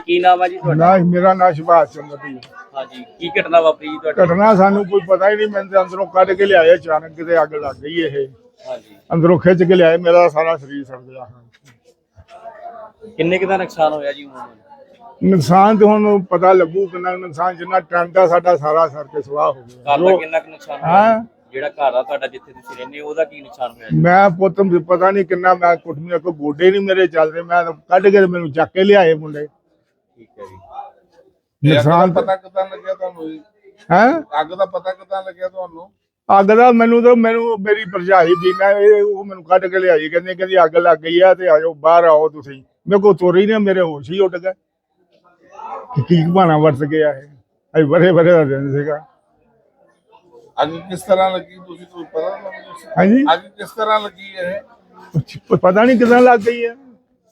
ਕੀ ਨਾਮ ਹੈ ਜੀ ਤੁਹਾਡਾ? ਨਾ ਮੇਰਾ ਨਾਂ ਸੁਭਾਸ਼ ਚੰਦਰ ਜੀ। ਹਾਂਜੀ, ਕੀ ਘਟਨਾ ਵਾਪਰੀ ਜੀ ਤੁਹਾਡੇ? ਘਟਨਾ ਸਾਨੂੰ ਕੋਈ ਪਤਾ ਹੀ ਨਹੀਂ। ਮੈਨੂੰ ਤੇ ਅੰਦਰੋਂ ਕੱਢ ਕੇ ਲਿਆਏ, ਅਚਾਨਕ ਕਿਤੇ ਅੱਗ ਲੱਗ ਗਈ। ਇਹ ਹਾਂਜੀ, ਅੰਦਰੋਂ ਖਿੱਚ ਕੇ ਲਿਆਏ, ਮੇਰਾ ਸਾਰਾ ਸਰੀਰ ਸੜ ਗਿਆ। ਕਿੰਨੇ ਕੁ ਦਾ ਨੁਕਸਾਨ ਹੋਇਆ ਜੀ ਉਮੂਮਨ? ਨੁਕਸਾਨ ਤੇ ਹੁਣ ਪਤਾ ਲੱਗੂ ਕਿੰਨਾ ਨੁਕਸਾਨ। ਜਿੰਨਾ ਟੈਂਟ ਆ ਸਾਡਾ ਸਾਰਾ ਸੜ ਕੇ ਸਵਾਹ ਹੋ ਗਿਆ। ਘਰ ਦਾ ਕਿੰਨਾ ਕੁ ਨੁਕਸਾਨ ਹੋਇਆ? ਹਾਂ, ਜਿਹੜਾ ਘਰ ਆ ਤੁਹਾਡਾ ਜਿੱਥੇ ਤੁਸੀਂ ਰਹਿੰਦੇ ਹੋ ਉਹਦਾ ਕੀ ਨੁਕਸਾਨ ਹੋਇਆ ਜੀ? ਮੈਂ ਪੁੱਤ ਪਤਾ ਨਹੀਂ ਕਿੰਨਾ। ਮੈਂ ਕੁੱਟਮੀਆਂ ਕੋ ਗੋਡੇ ਨਹੀਂ ਮੇਰੇ ਚੱਲਦੇ। ਮੈਂ ਤਾਂ ਕੱਢ ਕੇ ਮੈਨੂੰ ਚੱਕ ਕੇ ਲਿਆਏ ਮੁੰਡੇ। ਠੀਕ ਹੈ ਜੀ। ਨੁਕਸਾਨ ਪਤਾ ਕਿੱਦਾਂ ਲੱਗਿਆ ਤੁਹਾਨੂੰ? ਹੈ ਅੱਗ ਦਾ ਪਤਾ ਕਿੱਦਾਂ ਲੱਗਿਆ ਤੁਹਾਨੂੰ? ਅੱਗ ਦਾ ਮੈਨੂੰ ਮੇਰੀ ਭਰਜਾਈ ਦੀ ਉਹ ਮੈਨੂੰ ਕੱਢ ਕੇ ਲਿਆਈ। ਕਹਿੰਦੀ ਅੱਗ ਲੱਗ ਗਈ ਆ ਤੇ ਆਜੋ ਬਾਹਰ ਆਓ ਤੁਸੀਂ। ਮੇਰੇ ਕੋਲ ਤੁਰੀ ਨਾ, ਮੇਰੇ ਹੋਸ਼ ਹੀ ਉੱਡ ਗਏ। ਕੀ ਬਹਾਨਾ ਵਰਤ ਗਿਆ ਇਹ। ਅਸੀਂ ਬੜੇ ਦਾ ਦਿਨ ਸੀਗਾ। ਅੱਗ ਕਿਸ ਤਰ੍ਹਾਂ ਲੱਗੀ ਤੁਸੀਂ ਕੋਈ ਪਤਾ ਤੁਹਾਨੂੰ? ਹਾਂਜੀ, ਅੱਗ ਕਿਸ ਤਰ੍ਹਾਂ ਲੱਗੀ ਇਹ? ਪਤਾ ਨਹੀਂ ਕਿੱਦਾਂ ਲੱਗ ਗਈ ਹੈ।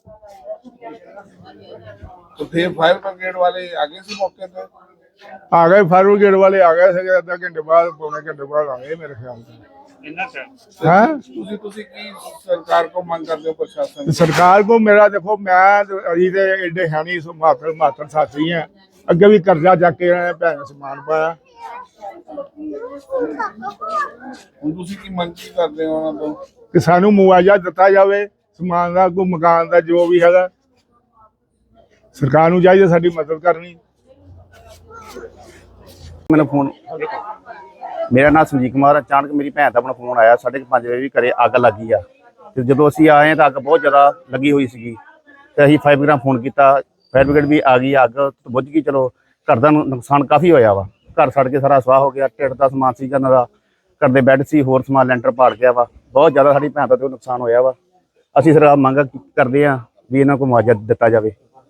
तो फिर फायर ब्रिगेड वाले आगे से मौके पे आ गए, फायर ब्रिगेड वाले आ गए थे। आधा घंटे बाद, पौने घंटे बाद आ गए मेरे ख्याल से। हाँ, ਤੁਸੀਂ ਕੀ ਸਰਕਾਰ ਕੋ ਮੰਗ ਕਰਦੇ ਹੋ? ਪ੍ਰਸ਼ਾਸਨ सरकार को मेरा देखो, मैं अभी तो एडे है नहीं मातर साथी हैं। अगे भी कर्जा जाके भैन समान पाया। ਹੁਣ ਤੁਸੀਂ ਕੀ ਮੰਗ ਕੀ ਕਰਦੇ ਹੋ ਉਹਨਾਂ ਤੋਂ? कि सानू मुआवजा दिता जाए, समान का, कोई मकान का, जो भी है। सरकार नूं चाहिए साडी मदद करनी। ਮੈਨੂੰ ਫੋਨ, ਮੇਰਾ ਨਾਮ ਸੰਜੀਤ ਕੁਮਾਰ। ਅਚਾਨਕ ਮੇਰੀ ਭੈਣ ਦਾ ਆਪਣਾ ਫੋਨ ਆਇਆ 5:30 ਵਜੇ ਵੀ ਘਰੇ ਅੱਗ ਲੱਗੀ ਆ। ਤੇ ਜਦੋਂ ਅਸੀਂ ਆਏ ਤਾਂ ਅੱਗ ਬਹੁਤ ਜ਼ਿਆਦਾ ਲੱਗੀ ਹੋਈ ਸੀਗੀ ਤੇ ਅਸੀਂ ਫਾਇਰ ਬ੍ਰਿਗੇਡ ਫੋਨ ਕੀਤਾ। ਫਾਇਰ ਬ੍ਰਿਗੇਡ ਵੀ ਆ ਗਈ। ਅੱਗ ਬੁੱਝ ਗਈ। ਚਲੋ, ਘਰ ਦਾ ਨੁਕਸਾਨ ਕਾਫੀ ਹੋਇਆ ਵਾ। ਘਰ ਸੜ ਕੇ ਸਾਰਾ ਸਵਾਹ ਹੋ ਗਿਆ। ਢਿੱਡ ਦਾ ਸਮਾਨ ਸੀਗਾ ਇਹਨਾਂ ਦਾ, ਘਰ ਦੇ ਬੈੱਡ ਸੀ, ਹੋਰ ਸਮਾਨ ਲੈਂਟਰ ਪਾੜ ਗਿਆ ਵਾ। ਬਹੁਤ ਜ਼ਿਆਦਾ ਸਾਡੀ ਭੈਣ ਦਾ ਨੁਕਸਾਨ ਹੋਇਆ ਵਾ। ਅਸੀਂ ਸਰਕਾਰ ਮੰਗ ਕਰਦੇ ਹਾਂ ਵੀ ਇਹਨਾਂ ਕੋਲ ਮੁਆਵਜ਼ਾ ਦਿੱਤਾ ਜਾਵੇ।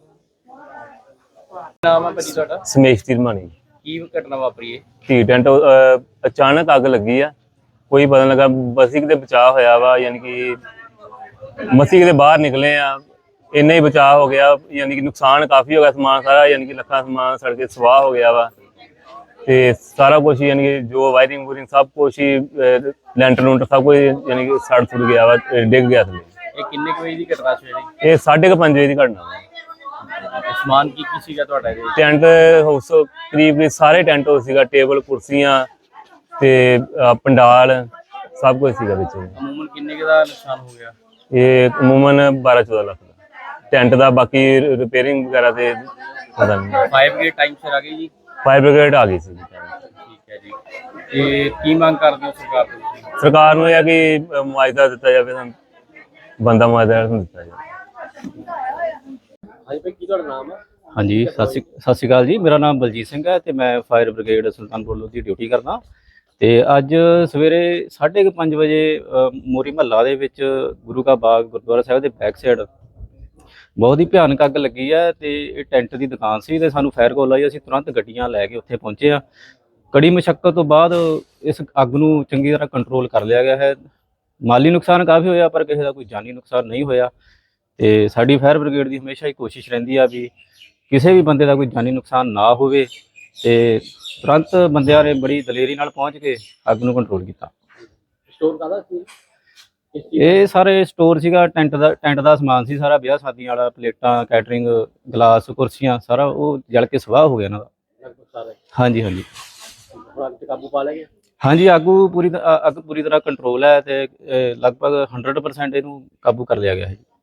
ਨਾਮ ਹੈ ਭਾਜੀ ਤੁਹਾਡਾ? ਸਮੇਸ਼ ਤਿਰਮਾਨੀ। ਕੀ ਘਟਨਾ ਵਾਪਰੀ ਹੈ? ਟੀ ਟੈਂਟ ਅਚਾਨਕ ਅੱਗ ਲੱਗੀ ਆ। ਕੋਈ ਪਤਾ ਲੱਗਾ। ਬਸੀ ਕਿਤੇ ਬਚਾਅ ਹੋਇਆ ਵਾ, ਯਾਨੀ ਕਿ ਮਸੀ ਕਿਤੇ ਬਾਹਰ ਨਿਕਲੇ ਆ, ਇੰਨਾ ਹੀ ਬਚਾਅ ਹੋ ਗਿਆ। ਯਾਨੀ ਕਿ ਨੁਕਸਾਨ ਕਾਫੀ ਹੋ ਗਿਆ। ਸਮਾਨ ਸਾਰਾ ਯਾਨੀ ਕਿ ਲੱਖਾਂ ਸਮਾਨ ਸੜ ਕੇ ਸਵਾਹ ਹੋ ਗਿਆ ਵਾ। ਤੇ ਸਾਰਾ ਕੁਛ ਯਾਨੀ ਕਿ ਜੋ ਵਾਇਰਿੰਗ ਵੂਰਿੰਗ ਸਭ ਕੁਛ ਹੀ, ਲੈਂਟਰ ਲੂੰਟਰ ਸਭ ਕੁਝ ਯਾਨੀ ਕਿ ਸੜ ਸੁੜ ਗਿਆ ਵਾ, ਡਿੱਗ ਗਿਆ ਥੱਲੇ। ਇਹ ਕਿੰਨੇ ਕੁ ਵਜੇ ਦੀ ਘਟਨਾ ਸੀ? ਇਹ 5:30 ਵਜੇ ਦੀ ਘਟਨਾ ਵਾ। ਸਮਾਨ ਕੀ ਸੀਗਾ ਤੁਹਾਡਾ ਇਹਦੇ? ਟੈਂਟ ਹਾਊਸ ਕਰੀਬ ਸਾਰੇ ਟੈਂਟ ਹਾਊਸ ਸੀਗਾ। ਟੇਬਲ, ਕੁਰਸੀਆਂ ਤੇ ਪੰਡਾਲ ਸਭ ਕੁਝ ਸੀਗਾ ਵਿੱਚ। ਅਮੂਮਨ ਕਿੰਨੇ ਕੁ ਦਾ ਨੁਕਸਾਨ ਹੋ ਗਿਆ? ਇਹ ਅਮੂਮਨ 12-14 ਲੱਖ ਦਾ ਟੈਂਟ ਦਾ। ਬਾਕੀ ਰਿਪੇਅਰਿੰਗ ਵਗੈਰਾ ਤੇ ਪਤਾ ਨਹੀਂ। ਫਾਇਰ ਬ੍ਰਿਗੇਡ ਟਾਈਮ ਸਿਰ ਆ ਗਈ ਜੀ? ਫਾਇਰ ਬ੍ਰਿਗੇਡ ਆ ਗਈ ਸੀ। ਠੀਕ ਹੈ ਜੀ। ਤੇ ਕੀ ਮੰਗ ਕਰਦੇ ਹੋ ਸਰਕਾਰ ਤੋਂ ਤੁਸੀਂ? ਸਰਕਾਰ ਨੂੰ ਇਹ ਆ ਕਿ ਮੁਆਵਜ਼ਾ ਦਿੱਤਾ ਜਾਵੇ, ਸਾਨੂੰ ਬੰਦਾ ਮੁਆਵਜ਼ਾ ਦਿੱਤਾ ਜਾਵੇ। ਹਾਂਜੀ ਭਾਈ, ਕੀ ਤੁਹਾਡਾ ਨਾਮ ਹੈ? ਹਾਂਜੀ, ਸਤਿ ਸ਼੍ਰੀ ਅਕਾਲ ਜੀ। ਮੇਰਾ ਨਾਮ ਬਲਜੀਤ ਸਿੰਘ ਹੈ ਤੇ ਮੈਂ fire brigade Sultanpur Lodhi duty ਕਰਦਾ। ਤੇ ਅੱਜ ਸਵੇਰੇ 5:30 ਵਜੇ ਮੋਰੀ ਮਹੱਲਾ ਦੇ ਵਿੱਚ ਗੁਰੂ ਕਾ ਬਾਗ ਗੁਰਦੁਆਰਾ ਸਾਹਿਬ ਦੇ ਬੈਕ ਸਾਈਡ ਬਹੁਤ ਹੀ ਭਿਆਨਕ ਅੱਗ ਲੱਗੀ ਹੈ। ਤੇ ਇਹ ਟੈਂਟ ਦੀ ਦੁਕਾਨ ਸੀ ਤੇ ਸਾਨੂੰ ਫਾਇਰ ਕਾਲ ਆਈ। ਅਸੀਂ ਤੁਰੰਤ ਗੱਡੀਆਂ ਲੈ ਕੇ ਉੱਥੇ ਪਹੁੰਚੇ ਆ। ਕੜੀ ਮੁਸ਼ੱਕਤ ਤੋਂ ਬਾਅਦ ਇਸ ਅੱਗ ਨੂੰ ਚੰਗੀ ਤਰ੍ਹਾਂ ਕੰਟਰੋਲ ਕਰ ਲਿਆ ਗਿਆ ਹੈ। ਮਾਲੀ ਨੁਕਸਾਨ ਕਾਫੀ ਹੋਇਆ ਪਰ ਕਿਸੇ ਦਾ ਕੋਈ ਜਾਨੀ ਨੁਕਸਾਨ ਨਹੀਂ ਹੋਇਆ। ਤੇ ਸਾਡੀ ਫਾਇਰ ਬ੍ਰਿਗੇਡ ਦੀ ਹਮੇਸ਼ਾ ਹੀ ਕੋਸ਼ਿਸ਼ ਰਹਿੰਦੀ ਆ ਵੀ ਕਿਸੇ ਵੀ ਬੰਦੇ ਦਾ ਕੋਈ ਜਾਨੀ ਨੁਕਸਾਨ ਨਾ ਹੋਵੇ। ਤੇ ਤੁਰੰਤ ਬੰਦਿਆਂ ਨੇ ਬੜੀ ਦਲੇਰੀ ਨਾਲ ਪਹੁੰਚ ਕੇ ਅੱਗ ਨੂੰ ਕੰਟਰੋਲ ਕੀਤਾ। ਸਟੋਰ ਕਾਹਦਾ ਸੀ? ਇਹ ਸਾਰੇ ਸਟੋਰ ਸੀਗਾ, ਟੈਂਟ ਦਾ ਸਮਾਨ ਸੀ ਸਾਰਾ, ਵਿਆਹ ਸ਼ਾਦੀਆਂ ਵਾਲਾ, ਪਲੇਟਾਂ, ਕੈਟਰਿੰਗ, ਗਲਾਸ, ਕੁਰਸੀਆਂ, ਸਾਰਾ ਉਹ ਜਲ ਕੇ ਸਵਾਹ ਹੋ ਗਿਆ ਇਹਨਾਂ ਦਾ। ਹਾਂਜੀ ਹਾਂਜੀ। ਅੱਗ ਤੇ ਕਾਬੂ ਪਾ ਲਿਆ ਗਿਆ? ਹਾਂਜੀ, ਅੱਗ ਪੂਰੀ ਤਰ੍ਹਾਂ ਕੰਟਰੋਲ ਹੈ ਤੇ ਲਗਭਗ 100% ਇਹਨੂੰ ਕਾਬੂ ਕਰ ਲਿਆ ਗਿਆ ਹੈ।